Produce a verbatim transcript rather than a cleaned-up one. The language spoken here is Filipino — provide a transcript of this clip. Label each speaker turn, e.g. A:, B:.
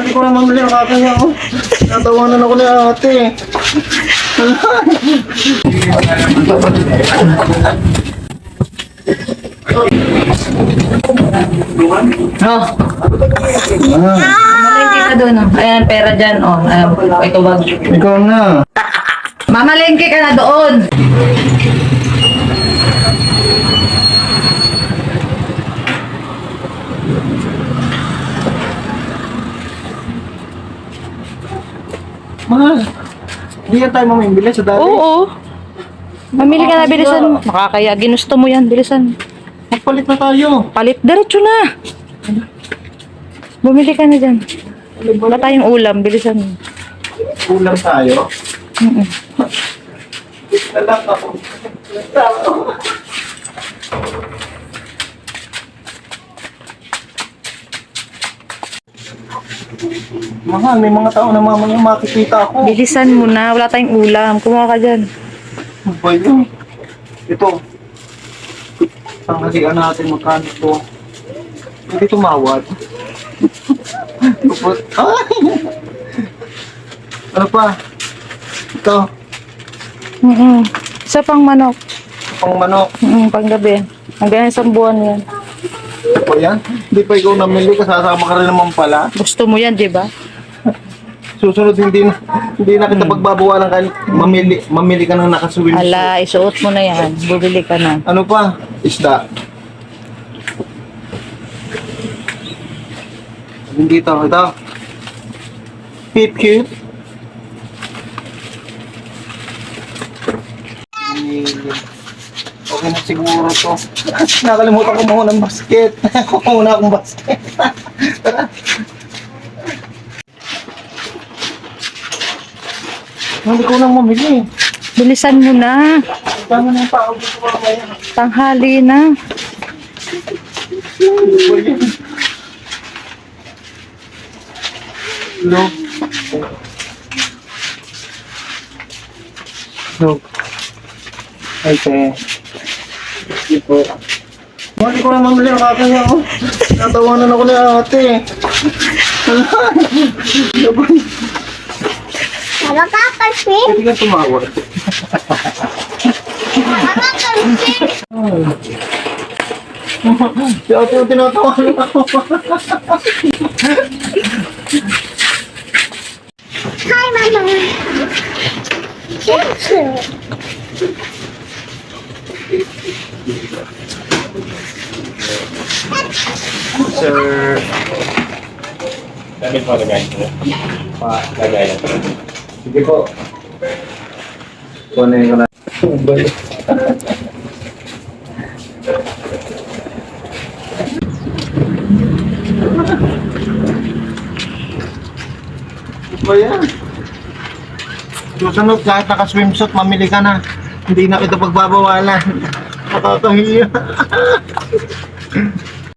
A: Hindi ko na mamili ang kakaya ko. Natawanan ako ni ate.
B: No. Mamalengke ka doon, oh. Ayan, pera dyan, oh. Ayan, ito bag.
A: Ikaw na.
B: Mamalengke ka na doon.
A: Mahal. Hindi yan tayo mamimili sa dati.
B: Oo. Mamili ka na, bilisan. Makakaya, ginusto mo yan, bilisan.
A: Magpalit na tayo.
B: Palit, diretso na. Bumili ka na dyan. Wala tayong ulam, bilisan mo.
A: Kulang tayo.
B: Mm-mm.
A: Lalak ako. Mahal, may mga tao na mamaya makikita ako.
B: Bilisan mo na, wala tayong ulam. Kumuha ka dyan.
A: Ano ba yun? Ito. Tanghalian natin magkano ito. Hindi tumawad. Ay! Ano pa? Ito.
B: Mm-mm. Isa pang manok.
A: Pang manok.
B: Mm, pang gabi. Hanggang isang buwan yan.
A: Ano pa yan? Hindi pa ikaw namili, kasasama ka rin naman pala.
B: Gusto mo yan, di ba?
A: Susunod hindi na, hindi na kita pagbabawalan ka. Mamili, mamili ka ng nakaswim suit.
B: Ala, isuot mo na yan. Bubili ka na.
A: Ano pa? Isda. Hindi ito. Ito. Peep cute. Okay na siguro to. Nakalimutan ko muna ng basket. Kuha muna akong basket. Tara. Hindi ko nang mamili.
B: Bilisan mo na.
A: Tama na yung pao dito mamaya.
B: Tanghali na.
A: Ano ba yun? Hello? Hello? Ay, te. Hindi po. Hindi ko na mamili ang kakaya ko. Natawanan ako ni ate. Ano ba yun?
C: Mama kakalpi?
A: Pwede ka tumawag.
C: Mama kakalpi?
A: Si ate yung tinatawanan ako.
C: Hi, Mama. Yes.
A: Sir.
D: Damit mo lagay ko. Pa, lagay na.
A: Sige po. Kunin ko na. Ano ba yan? Susunod kahit naka-swimsuit, mamili ka na. Hindi na kita pagbabawalan. Nakakahiya.